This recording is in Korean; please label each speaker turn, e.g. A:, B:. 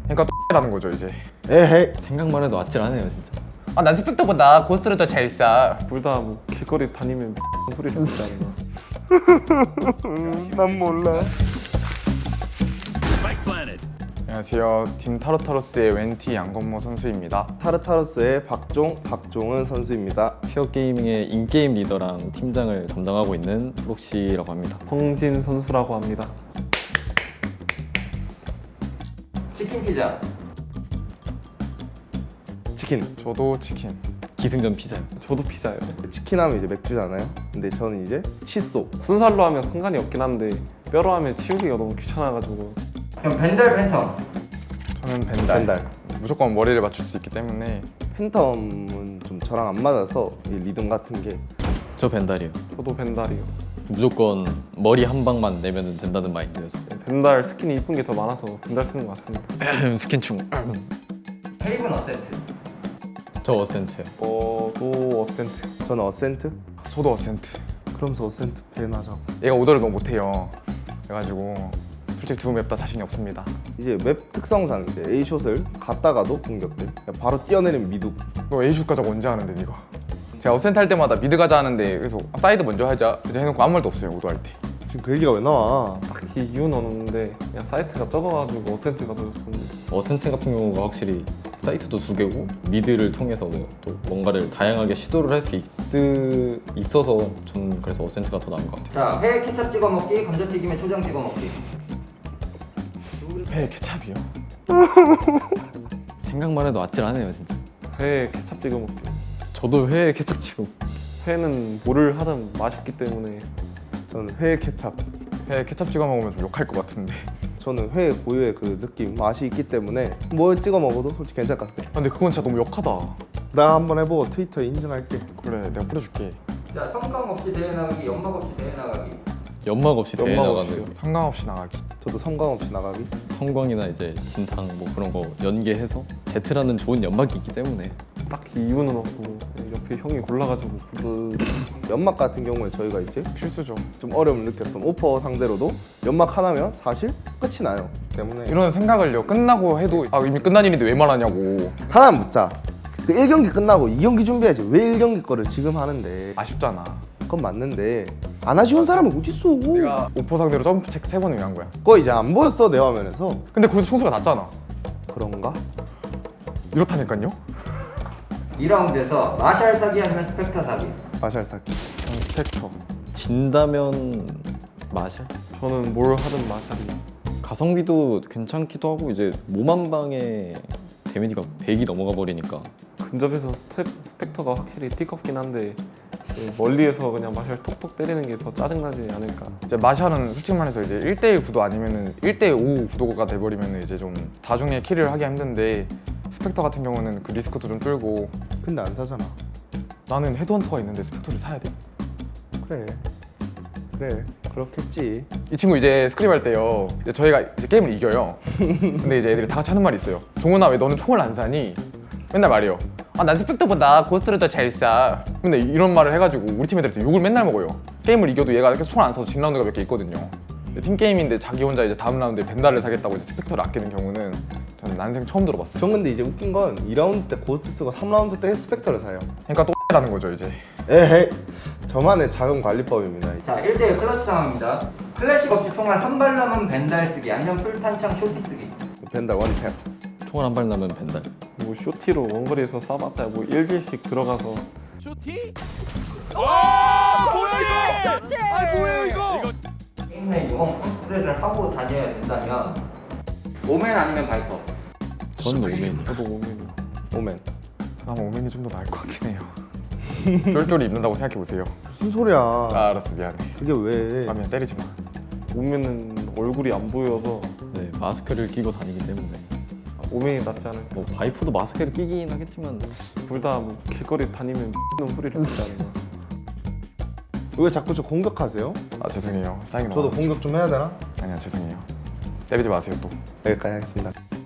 A: 그러니까 X라는 거죠 이제.
B: 에헤이.
C: 생각만 해도 아찔하네요 진짜.
A: 아, 난 스펙터보다 고스트를 더 잘 쏴.
D: 둘 다 뭐 길거리 다니면 소리를 듣지 않나.
B: 난 몰라.
A: 안녕하세요. 팀 타르타로스의 웬티 양건모 선수입니다.
B: 타르타르스의 박종은 선수입니다.
C: 피어 게이밍의 인게임 리더랑 팀장을 담당하고 있는 프록시라고 합니다.
D: 홍진 선수라고 합니다.
E: 치킨 피자.
B: 치킨.
A: 저도 치킨.
C: 기승전 피자요.
D: 저도 피자예요.
B: 치킨 하면 이제 맥주잖아요. 근데 저는 이제 칫솔.
D: 순살로 하면 상관이 없긴 한데 뼈로 하면 치우기가 너무 귀찮아가지고.
E: 그럼 벤달 팬텀.
A: 저는 벤달.
B: 벤달.
A: 무조건 머리를 맞출 수 있기 때문에.
B: 팬텀은 좀 저랑 안 맞아서 이 리듬 같은 게.
C: 저 벤달이요.
D: 저도 벤달이요.
C: 무조건 머리 한 방만 내면 된다는 마인드였어요.
D: 벤달 스킨이 이쁜 게 더 많아서 벤달 쓰는 것 같습니다.
C: 스킨충.
E: 헤이븐 어센트.
C: 저 어센트요.
D: 또 어센트.
B: 저는 어센트.
A: 저도 어센트.
B: 그러면서 어센트 밴 하자고.
A: 얘가 오더를 너무 못해요. 그래가지고 솔직히 두 맵 다 자신이 없습니다.
B: 이제 맵 특성상 이제 A숏을 갔다가도 공격돼. 그냥 바로 뛰어내리면 미드.
A: 너 A슛 가자고 언제 하는데 네가? 제가 어센트 할 때마다 미드 가자 하는데 계속 사이드 먼저 하자 이제 해놓고 아무 말도 없어요 오더 할 때.
B: 지금 그 얘기가 왜 나와?
D: 딱히 이유는 없는데 그냥 사이트가 적어가지고 어센트가 적었었는데.
C: 어센트 같은 경우가 확실히 사이트도 두 개고 미드를 통해서 또 뭔가를 다양하게 시도를 할 수 있어서 저는 그래서 어센트가 더 나은 것 같아요.
E: 자, 회 케찹 찍어 먹기, 감자튀김에 초장 찍어 먹기.
A: 회 케찹이요?
C: 생각만 해도 아찔하네요 진짜.
D: 회에 케찹 찍어 먹기.
C: 저도 회에 케첩 치고.
D: 회는 뭐를 하든 맛있기 때문에.
B: 저는 회 케찹.
A: 회 케찹 찍어 먹으면 좀 욕할 것 같은데.
B: 저는 회 고유의 그 느낌, 맛이 있기 때문에 뭐 찍어 먹어도 솔직히 괜찮을 것 같아.
A: 아, 근데 그건 진짜 너무 욕하다.
B: 나 한번 해보고 트위터에 인증할게.
A: 그래 내가 뿌려줄게.
E: 자, 성감 없이 대회 나가기, 연막 없이 대회 나가기.
C: 연막 없이 대회
D: 연막
C: 나가는
D: 없이요.
A: 상관 없이 나가기.
B: 저도 성광 없이 나가기.
C: 성광이나 이제 진탕 뭐 그런 거 연계해서 제트라는 좋은 연막이 있기 때문에.
D: 딱히 이유는 없고 옆에 형이 골라가지고 그
B: 연막 같은 경우에 저희가 이제
A: 필수죠.
B: 좀 어려움을 느꼈던 오퍼 상대로도 연막 하나면 사실 끝이 나요. 때문에
A: 이런 생각을요 끝나고 해도 아 이미 끝난 일인데 왜 말하냐고.
B: 하나 묻자. 그 1경기 끝나고 2경기 준비해야지. 왜 1경기 거를 지금 하는데?
A: 아쉽잖아.
B: 그건 맞는데 안 아쉬운 사람은 어딨어?
A: 내가 오퍼 상대로 점프 체크 3번을 왜 한 거야.
B: 그거 이제 안 보였어 내 화면에서.
A: 근데 거기서 총수가 났잖아.
B: 그런가?
A: 이렇다니까요.
E: 2라운드에서 마샬 사기 아니면 스펙터 사기.
B: 마샬 사기.
A: 저는 스펙터.
C: 진다면 마샬?
D: 저는 뭘 하든 마샬이.
C: 가성비도 괜찮기도 하고 이제 몸 한 방에 데미지가 100이 넘어가 버리니까.
D: 근접에서 스펙터가 확실히 띠껍긴 한데 그 멀리에서 그냥 마샬 톡톡 때리는 게 더 짜증나지 않을까.
A: 이제 마샬은 솔직히 말해서 이제 1대1 구도 아니면은 1대5 구도가 돼버리면 이제 좀 다중에 킬을 하기 힘든데 스펙터 같은 경우는 그 리스크도 좀 줄고.
B: 근데 안 사잖아.
A: 나는 헤드헌터가 있는데 스펙터를 사야 돼?
B: 그래 그렇겠지.
A: 이 친구 이제 스크림 할 때요 이제 저희가 이제 게임을 이겨요. 근데 이제 애들이 다 같이 하는 말이 있어요. 종훈아 왜 너는 총을 안 사니? 맨날 말이요. 아 난 스펙터보다 고스트를 더 잘 쏴. 근데 이런 말을 해가지고 우리 팀 애들한테 욕을 맨날 먹어요. 게임을 이겨도 얘가 계속 총을 안 사서 진 라운드가 몇 개 있거든요. 팀 게임인데 자기 혼자 이제 다음 라운드에 벤달을 사겠다고 이제 스펙터를 아끼는 경우는 저는 난생 처음 들어봤어요.
B: 전 근데 이제 웃긴 건 2라운드 때 고스트 쓰고 3라운드 때 스펙터를 사요.
A: 그러니까 또 X라는 거죠 이제.
B: 에헤이. 저만의 작은 관리법입니다.
E: 자, 1대1 클러치 상황입니다. 클래식 없이 총알 한 발 남은 벤달 쓰기 아니면 풀탄창 쇼티 쓰기.
B: 벤달 원 탭스.
C: 총알 한 발 나면 벤달.
D: 뭐 쇼티로 원거리에서 쏴봤자 뭐 1길씩 들어가서.
E: 게임 내 유언 코스프레를 하고 다녀야 된다면 오멘 아니면 바이퍼.
C: 저는 오맨이요.
D: 저도 오면
B: 오멘.
A: 그나마 오맨이 좀 더 나을 것 같긴 해요. 쫄쫄이 입는다고 생각해보세요.
B: 무슨 소리야?
A: 아 알았어 미안해.
B: 그게 왜?
A: 아 미안 때리지 마.
D: 오면은 얼굴이 안 보여서
C: 네, 마스크를 끼고 다니기 때문에.
D: 오면이 낫지 않을까.
C: 뭐 바이퍼도 마스크를 끼긴 하겠지만
D: 둘 다 뭐 길거리 다니면 소리를 듣지 않나.
B: 왜 자꾸 저 공격하세요?
A: 아 죄송해요. 사인이
B: 저도 공격 좀 해야 되나?
A: 아니야 죄송해요. 때리지 마세요 또.
B: 여기까지 하겠습니다.